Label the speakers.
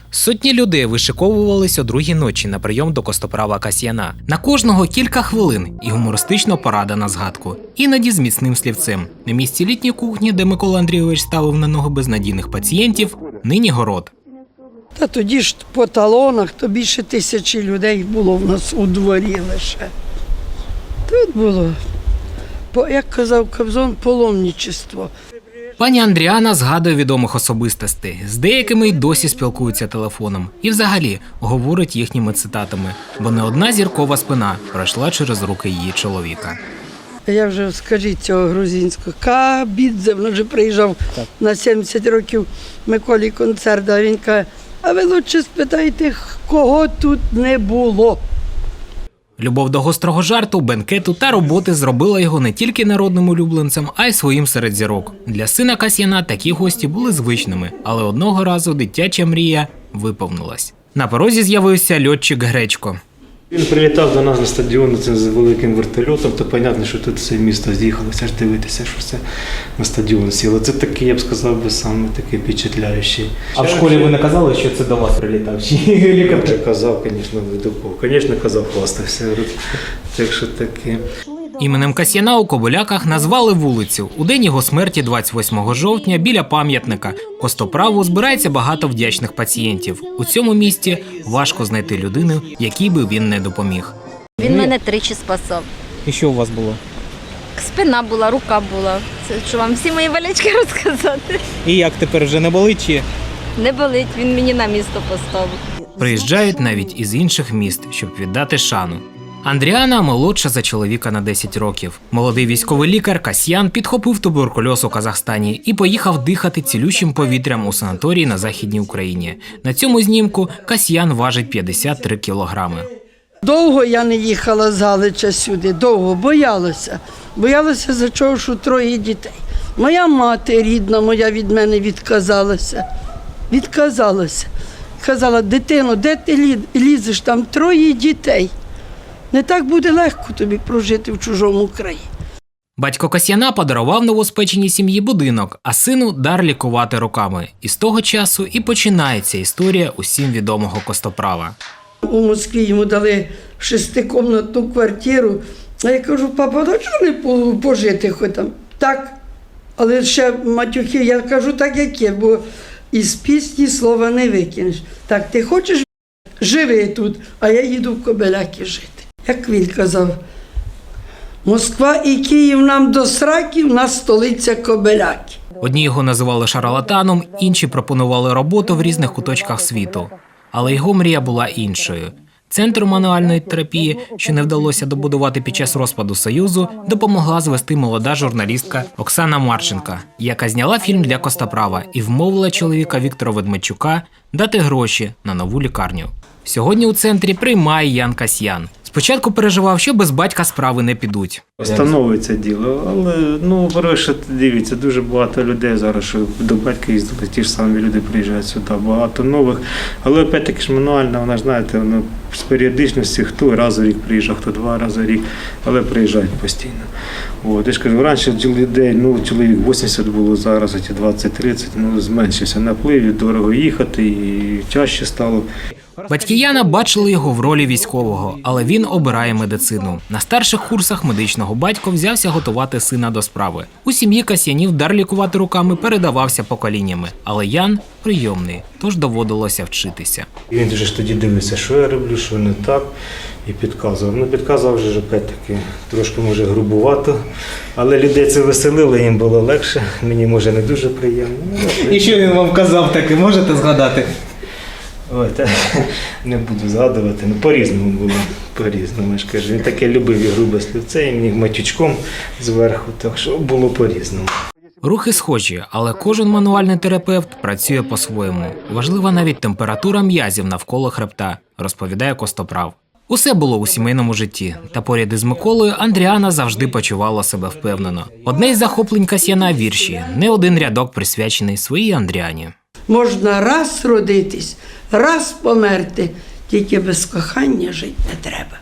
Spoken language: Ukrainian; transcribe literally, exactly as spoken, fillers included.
Speaker 1: Сотні людей вишиковувались о другій ночі на прийом до костоправа Касьяна. На кожного кілька хвилин і гумористична порада на згадку. Іноді з міцним слівцем. На місці літньої кухні, де Микола Андрійович ставив на ноги безнадійних пацієнтів, нині город.
Speaker 2: Та тоді ж по талонах, то більше тисячі людей було в нас у дворі лише. Тут було, як казав Кобзон, паломничество.
Speaker 1: Пані Андріана згадує відомих особистостей. З деякими й досі спілкуються телефоном. І взагалі говорить їхніми цитатами. Бо не одна зіркова спина пройшла через руки її чоловіка.
Speaker 2: Я вже, скажіть цього грузинського, Кабідзе, він вже приїжджав так. На сімдесят років Миколі концерт, а він каже, а ви лучше спитайте, кого тут не було.
Speaker 1: Любов до гострого жарту, бенкету та роботи зробила його не тільки народним улюбленцем, а й своїм серед зірок. Для сина Касьяна такі гості були звичними, але одного разу дитяча мрія виповнилась. На порозі з'явився льотчик Гречко.
Speaker 3: Він прилітав до нас на стадіон з великим вертольотом, то зрозуміло, що тут все місто з'їхалося ж дивитися, що все на стадіон сіло. Це такий, я б сказав, би, саме такий впечатляючий.
Speaker 4: А в школі ви не казали, що це до вас прилітав? Чи лікар?
Speaker 3: Я казав, звісно, видупов. Звісно, казав, хвастався. Так що таке.
Speaker 1: Іменем Касьяна у Кобиляках назвали вулицю. У день його смерті, двадцять восьмого жовтня, біля пам'ятника костоправу збирається багато вдячних пацієнтів. У цьому місті важко знайти людину, якій би він не допоміг.
Speaker 5: Він мене тричі спасав.
Speaker 4: І що у вас було?
Speaker 5: Спина була, рука була. Це що вам всі мої болячки розказати?
Speaker 4: І як тепер, вже не болить чи?
Speaker 5: Не болить, він мені на місто поставив.
Speaker 1: Приїжджають навіть із інших міст, щоб віддати шану. Андріана молодша за чоловіка на десять років. Молодий військовий лікар Касьян підхопив туберкульоз у Казахстані і поїхав дихати цілющим повітрям у санаторії на Західній Україні. На цьому знімку Касьян важить п'ятдесят три кілограми.
Speaker 2: Довго я не їхала з Галича сюди, довго, боялася. Боялася за чого, що троє дітей. Моя мати рідна, моя від мене відказалася. Відказалася. Казала, дитино, де ти лізеш, там троє дітей. Не так буде легко тобі прожити в чужому краї.
Speaker 1: Батько Касьяна подарував новоспеченій сім'ї будинок, а сину дар лікувати руками. І з того часу і починається історія усім відомого костоправа.
Speaker 2: У Москві йому дали шестикомнатну квартиру. А я кажу, папа, а чого не пожити хоч там? Так, але ще матюхи, я кажу так, як є, бо із пісні слова не викинеш. Так, ти хочеш, живи тут, а я їду в Кобиляки жити. Як він казав, Москва і Київ нам до сраки, в нас столиця Кобиляки.
Speaker 1: Одні його називали шарлатаном, інші пропонували роботу в різних куточках світу. Але його мрія була іншою. Центр мануальної терапії, що не вдалося добудувати під час розпаду Союзу, допомогла звести молода журналістка Оксана Марченка, яка зняла фільм для костоправа і вмовила чоловіка Віктора Ведмедчука дати гроші на нову лікарню. Сьогодні у центрі приймає Ян Касьян. Спочатку переживав, що без батька справи не підуть.
Speaker 3: Становиться діло, але, ну, по-перше, дивіться, дуже багато людей зараз, що до батька їздили, ті ж самі люди приїжджають сюди, багато нових. Але, опять-таки ж, мануальна, вона, знаєте, вона з періодичності, хто раз у рік приїжджав, хто два рази в рік, але приїжджають постійно. От, я ж кажу, раніше людей, ну, чоловік вісімдесят було, зараз ці двадцять-тридцять, ну, зменшився наплив, дорого їхати і чаще стало.
Speaker 1: Батьки Яна бачили його в ролі військового, але він обирає медицину. На старших курсах медичного батько взявся готувати сина до справи. У сім'ї Касьянів дар лікувати руками передавався поколіннями, але Ян прийомний, тож доводилося вчитися.
Speaker 3: Він дуже ж тоді дивився, що я роблю, що не так, і підказував. Ну, підказував вже, опять-таки, трошки, може, грубувато, але людей це веселило, їм було легше, мені, може, не дуже приємно.
Speaker 4: І що він вам казав таке, можете згадати?
Speaker 3: Ой, та, не буду згадувати, ну по-різному було, по-різному, я ж кажу. Він таке любив і грубе слівце, і мені матючком зверху, так що було по-різному.
Speaker 1: Рухи схожі, але кожен мануальний терапевт працює по-своєму. Важлива навіть температура м'язів навколо хребта, розповідає костоправ. Усе було у сімейному житті, та поряд із Миколою Андріана завжди почувала себе впевнено. Одне із захоплень Касьяна – вірші, не один рядок присвячений своїй Андріані.
Speaker 2: Можна раз родитись, раз померти, тільки без кохання жити не треба.